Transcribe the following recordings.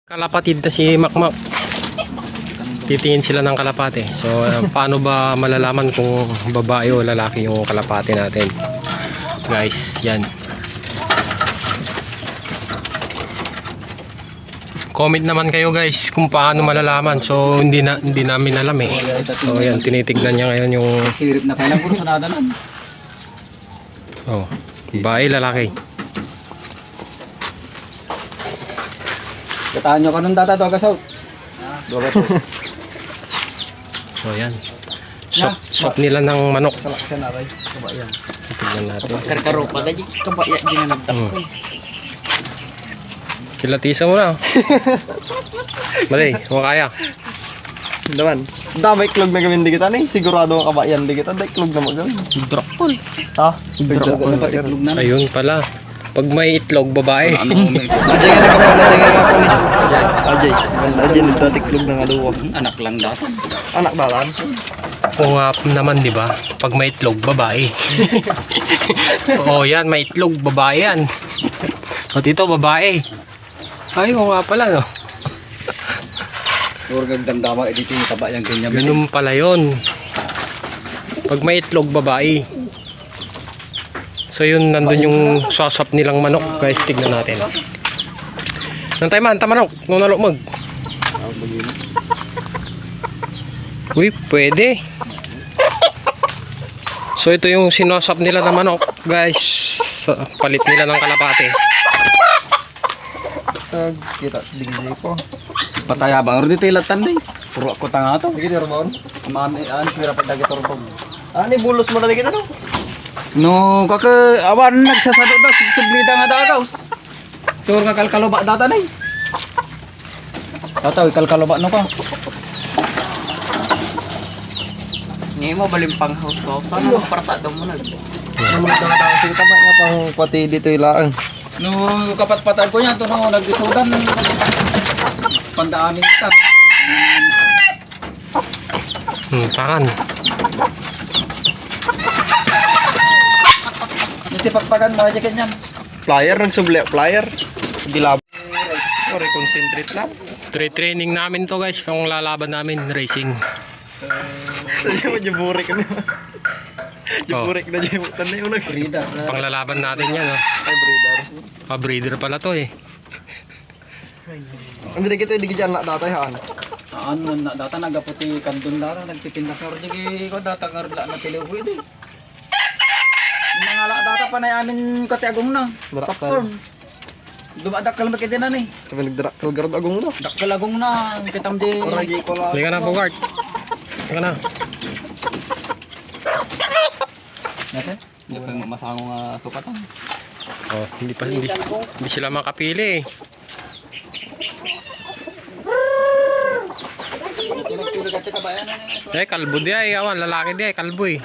Kalapatid na si Makmak. Titingin sila ng kalapate. So paano ba malalaman kung babae o lalaki yung kalapate natin? Guys, yan. Comment naman kayo guys kung paano malalaman. So hindi namin alam eh. So yan, tinitignan niya ngayon yung sirip na kailang puro sanada nan. oh, babae, lalaki. Kataan nyo kanong data to agasaw. So yan. Sop nila ng manok. Kabayan. Tignan natin. Karkaro pa na kabaya ginanagdak ko. Kilatisa mo na. Mali, kaya. Naman. Damay klog na gawin di kita ni. Sigurado ang kabayan di kita. Dahil klog na mo gawin. Drakol. Ha? Drakol na patiklog na. Ayun pala. Pag may itlog, babae. Ajay nga nakapaw. Ajay. Ajay nagtatiklog ng aluwa. Anak lang dapat. Anak dalan. Kung naman, di ba? Pag may itlog, babae. Oh, yan, may itlog, babae yan. O dito, babae. Ay, oo nga pala, no? Puro gagdamdama dito yung kabayang ganyan. Ganun pala yun. Pag may itlog, babae. So yun, nandun yung sasap nilang manok. Guys, tignan natin. Nantay man, tamanok. Nung nalukmag. Uy, pwede. So ito yung sinasap nila na manok. Guys, palit nila ng kalapate. Kita digdi ko. Pataya ba? Oro dito ilatan din. Puro ako tanga to. Digdi Ramon. Mami, pira pa dagi torong. Ani bulos mo na di kita no. No, kaka awan nagsasado daw sublida nga dagaws. Sur nga kalkaloba data nay. Tataw kalkaloba no ka. Ngayon mo balimpang house. Sana magparta daw mo na. Ano mo daw sige tama nga pang pati dito ilaang. No, kapat-patan ko yan to no nagdisudan. Pandaamin kita. Takan. Hindi pagpagan mo aja kanyan. Flyer nagsubli flyer. Gilab. Sorry, concentrate lang. Training namin to guys. Kung lalaban namin, racing. Sadya mo juburik na. Juburik na jibutan na yung Frida. Panglalaban natin yan. Oh. Ay breeder. Pa-breeder pala to eh. Ang dili kita di dyan na datay haan. Ano na data nagaputi kandun lara nagtitinda sa ordi ko data ngarla na piluwi di. Nangala data pa na amin katiagong na. Popcorn. Dumadak kalmat kay dinan eh. Sabi nagdrakal garod agong no. Dakal agong na kitam di. Oragi ko lang. Halika na, Bogart. Halika na. Nate? Hindi pa masangong sukatan. Oh, hindi sila makapili eh. Pinagpili ka kabayan na Eh, kalbo di ay. Awan, lalaki di ay. Kalbo eh.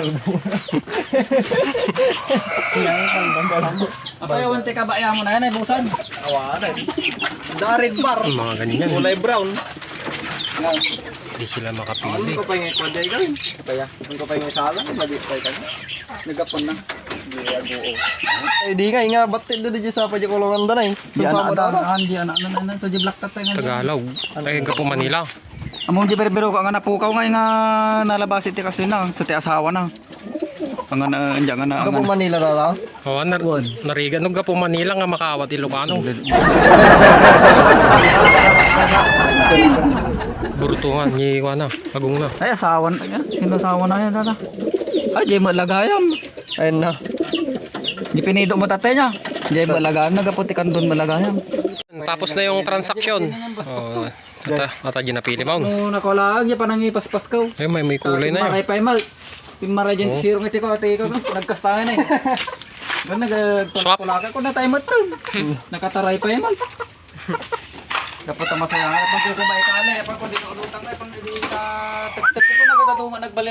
Apa yawan te kabayan mo na yan ay busan. Awanan. Darid bar. Mga ganyan. Kulay brown. Hindi sila Ano makapili. ko pa yung kwadya gawin? Kaya Ano ko pa yung sala? Mag-istay ka na. nagapon na. Eh di nga batit na di sa pa di kulungan danay. Di Susama anak daw. daan, di anak na sa Jiblak tatay nga. Tagalog. Ay, ka po Manila. Among di pero ka nga napukaw nga nga nalabas iti kasi na sa ti asawa na. Ang nga andyan nga na. Ako po Manila na lang. Oh, narigan. Nung ka po Manila nga makawat Ilocano. Burtungan. Nyiwa na. Agong na. Ay asawa na yan. Sino asawa na yan dada? Ay di mo lagayam. Ayun na. Di pinido mo tatay niya. Di mo lagayam nagaputi kan doon malagayam. Tapos na yung transaksyon. Oh, ata ginapili mo. No nakawala niya pa nangipaspas ka. Ay, may kulay na yun. Maray pa mal. Pimara dyan siro ngiti ko ati ko nagkastahan eh. Gan nagpulaka ko na tayo mo to. Nakataray pa mal. Dapat masaya pag ko kumaikala pag ko di ko utang pag di ka tagtag ko nagkatatungan nagbalik